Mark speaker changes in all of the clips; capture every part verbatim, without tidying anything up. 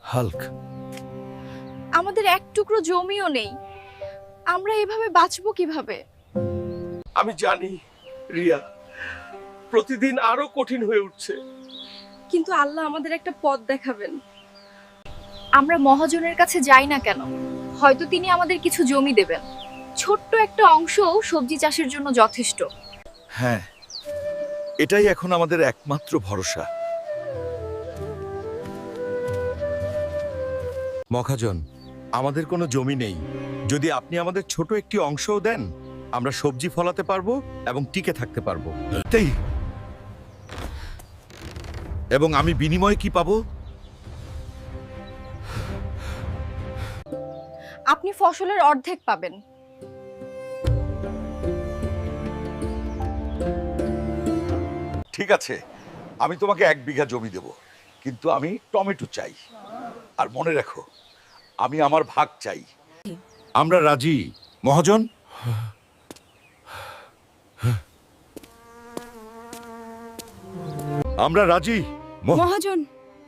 Speaker 1: Hulk,
Speaker 2: আমাদের এক টুকরো জমিও নেই, আমরা এভাবে বাঁচবো কিভাবে?
Speaker 3: আমি জানি রিয়া, প্রতিদিন আরো কঠিন হয়ে উঠছে।
Speaker 2: কিন্তু আল্লাহ আমাদের একটা পথ দেখাবেন। আমরা মহাজনের কাছে যাই না কেন, হয়তো তিনি আমাদের কিছু জমি দেবেন। ছোট্ট একটা অংশও সবজি চাষের জন্য যথেষ্ট।
Speaker 1: হ্যাঁ, এটাই এখন আমাদের একমাত্র ভরসা। মহাজন, আমাদের কোনো জমি নেই। যদি আপনি আমাদের ছোট একটি অংশও দেন, আমরা সবজি ফলাতে পারবো এবং টিকে থাকতে পারবো। তাই এবং আমি বিনিময়ে কি পাবো?
Speaker 2: আপনি ফসলের অর্ধেক পাবেন।
Speaker 1: ঠিক আছে, আমি তোমাকে এক বিঘা জমি দেব, কিন্তু আমি টমেটো চাই। আর মনে রাখো, আমি আমার ভাগ চাই। আমরা রাজি মহাজন। আমরা রাজি মহ-
Speaker 2: মহাজন,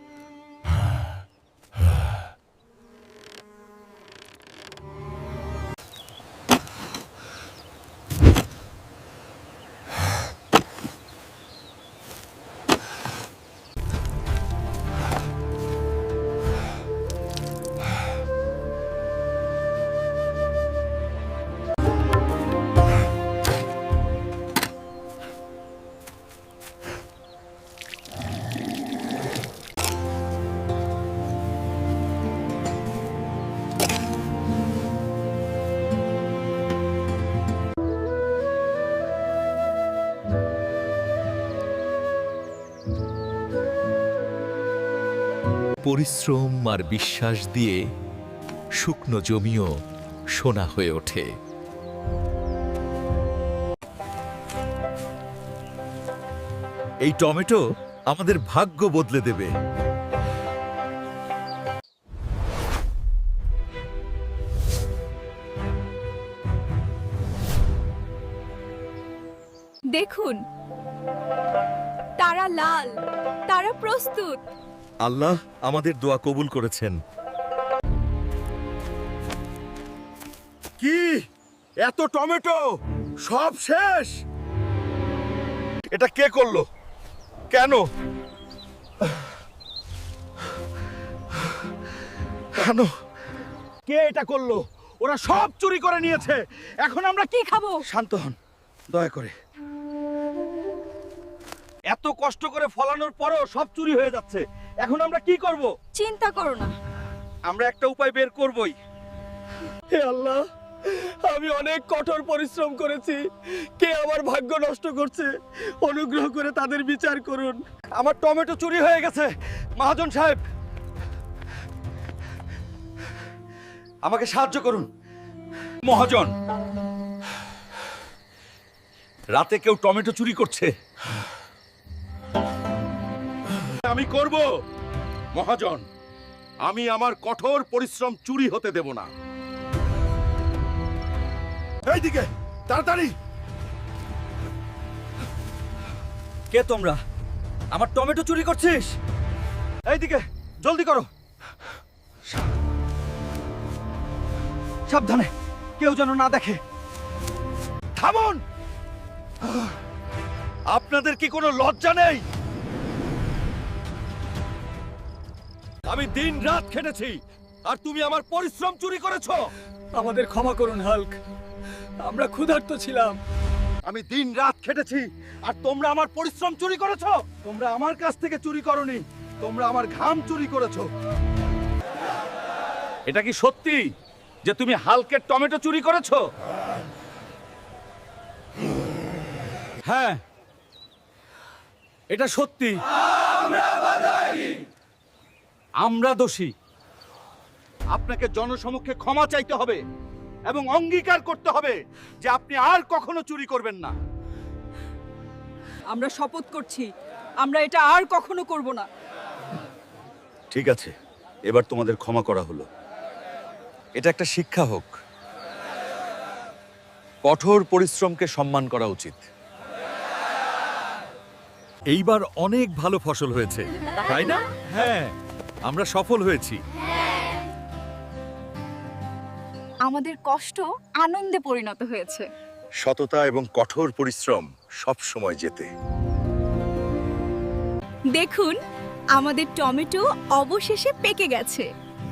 Speaker 4: পরিশ্রম আর বিশ্বাস দিয়ে শুকনো জমিও সোনা হয়ে ওঠে।
Speaker 1: এই টমেটো আমাদের ভাগ্য বদলে দেবে।
Speaker 2: দেখুন, তারা লাল, তারা প্রস্তুত।
Speaker 1: আল্লাহ আমাদের দোয়া কবুল করেছেন। কি এত টমেটো? সব শেষ? এটা কে করলো? কেন? কেন? কে এটা করলো? ওরা সব চুরি করে নিয়েছে। এখন আমরা কি খাবো? শান্ত হন, দয়া করে। এত কষ্ট করে ফলানোর পরেও সব চুরি হয়ে যাচ্ছে। এখন আমরা কি করব?
Speaker 2: চিন্তা করো না,
Speaker 3: আমরা একটা উপায় বের করবই। হে আল্লাহ, আমি অনেক কঠোর পরিশ্রম করেছি। কে আমার ভাগ্য নষ্ট করছে? অনুগ্রহ করে তাদের বিচার করুন। আমার টমেটো চুরি হয়ে গেছে। মহাজন সাহেব, আমাকে সাহায্য করুন।
Speaker 1: মহাজন, রাতে কেউ টমেটো চুরি করছে। আমি করব মহাজন। আমি আমার কঠোর পরিশ্রম চুরি হতে দেব না। এইদিকে তাড়াতাড়ি।
Speaker 3: কে তোমরা? আমার টমেটো চুরি করছিস? এইদিকে জলদি করো। সাবধানে, কেউ যেন না দেখে।
Speaker 1: থামুন! আপনাদের কি কোনো লজ্জা নেই? আমি দিন রাত খেটেছি, আর তুমি আমার পরিশ্রম চুরি করেছো।
Speaker 3: আমাদের ক্ষমা করুন হাল্ক, আমরা ক্ষুধার্ত ছিলাম।
Speaker 1: আমি দিন রাত খেটেছি, আর তোমরা আমার পরিশ্রম চুরি করেছো। তোমরা আমার কাছ থেকে চুরি করনি, তোমরা আমার ঘাম চুরি করেছো। এটা কি সত্যি যে তুমি হাল্কের টমেটো চুরি করেছো?
Speaker 3: হ্যাঁ, এটা সত্যি। আমরা দোষী।
Speaker 1: আপনাকে জনসমক্ষে ক্ষমা চাইতে হবে এবং অঙ্গীকার করতে হবে যে আপনি আর কখনো চুরি করবেন না।
Speaker 5: আমরা শপথ করছি, আমরা এটা আর কখনো করব না।
Speaker 1: ঠিক আছে, এবার তোমাদের ক্ষমা করা হলো। এটা একটা শিক্ষা হোক। কঠোর পরিশ্রমকে সম্মান করা উচিত।
Speaker 4: এইবার অনেক ভালো ফসল হয়েছে, তাই না?
Speaker 3: হ্যাঁ,
Speaker 4: আমরা সফল হয়েছি।
Speaker 2: আমাদের কষ্ট আনন্দে পরিণত হয়েছে।
Speaker 1: সততা এবং কঠোর পরিশ্রম সব সময় জেতে।
Speaker 2: দেখুন, আমাদের টমেটো অবশেষে পেকে গেছে।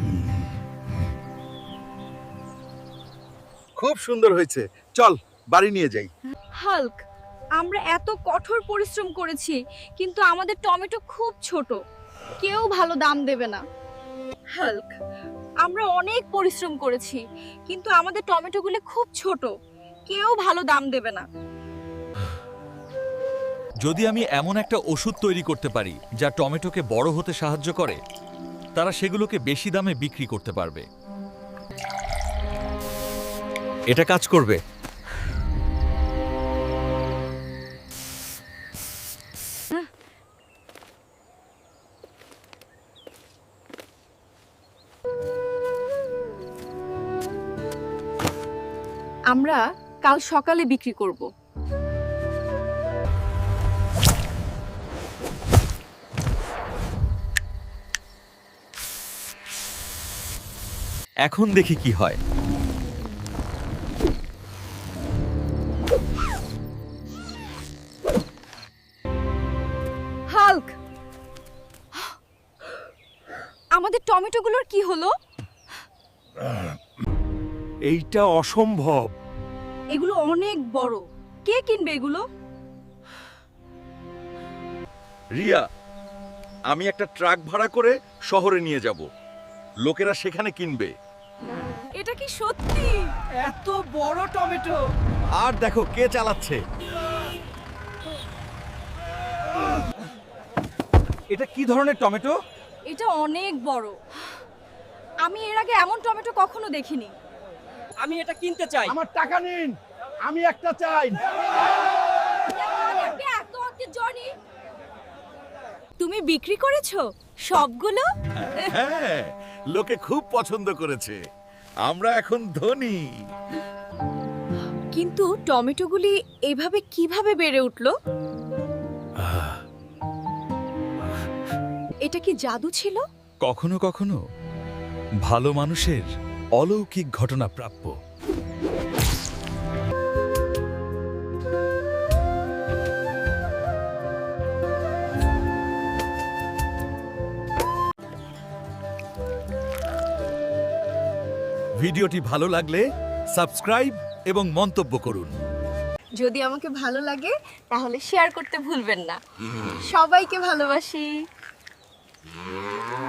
Speaker 1: খুব সুন্দর হয়েছে, চল বাড়ি নিয়ে যাই।
Speaker 2: হাল্ক, আমরা এত কঠোর পরিশ্রম করেছি, কিন্তু আমাদের টমেটো খুব ছোট, কেউ ভালো দাম দেবে না। হাল্ক, আমরা অনেক পরিশ্রম করেছি, কিন্তু আমাদের টমেটোগুলো খুব ছোট, কেউ ভালো দাম দেবে না।
Speaker 4: যদি আমি এমন একটা ওষুধ তৈরি করতে পারি যা টমেটোকে বড় হতে সাহায্য করে, তারা সেগুলোকে বেশি দামে বিক্রি করতে পারবে। এটা কাজ করবে।
Speaker 2: আমরা কাল সকালে বিক্রি করব।
Speaker 4: এখন দেখি কি হয়।
Speaker 2: হাল্ক, আমাদের টমেটোগুলোর কি হলো?
Speaker 3: এইটা অসম্ভব।
Speaker 2: এগুলো অনেক বড়, কে কিনবে এগুলো?
Speaker 1: রিয়া, আমি একটা ট্রাক ভাড়া করে শহরে নিয়ে যাব, লোকেরা সেখানে কিনবে।
Speaker 2: এটা কি সত্যি?
Speaker 5: এত বড় টমেটো!
Speaker 4: আর দেখো কে চালাচ্ছে।
Speaker 3: এটা কি ধরনের টমেটো?
Speaker 2: এটা অনেক বড়। আমি এর আগে এমন টমেটো কখনো দেখিনি।
Speaker 5: আমি এটা কিনতে চাই।
Speaker 3: আমার টাকা নিন, আমি একটা চাই।
Speaker 2: তুমি বিক্রি করেছো সবগুলো?
Speaker 1: হ্যাঁ, লোকে খুব পছন্দ করেছে, আমরা এখন ধনী।
Speaker 2: কিন্তু টমেটোগুলি এভাবে কিভাবে বেড়ে উঠলো? এটা কি জাদু ছিল?
Speaker 4: কখনো কখনো ভালো মানুষের অলৌকিক ঘটনা প্রাপ্য। ভিডিওটি ভালো লাগলে সাবস্ক্রাইব এবং মন্তব্য করুন।
Speaker 2: যদি আমাকে ভালো লাগে তাহলে শেয়ার করতে ভুলবেন না। সবাইকে ভালোবাসি।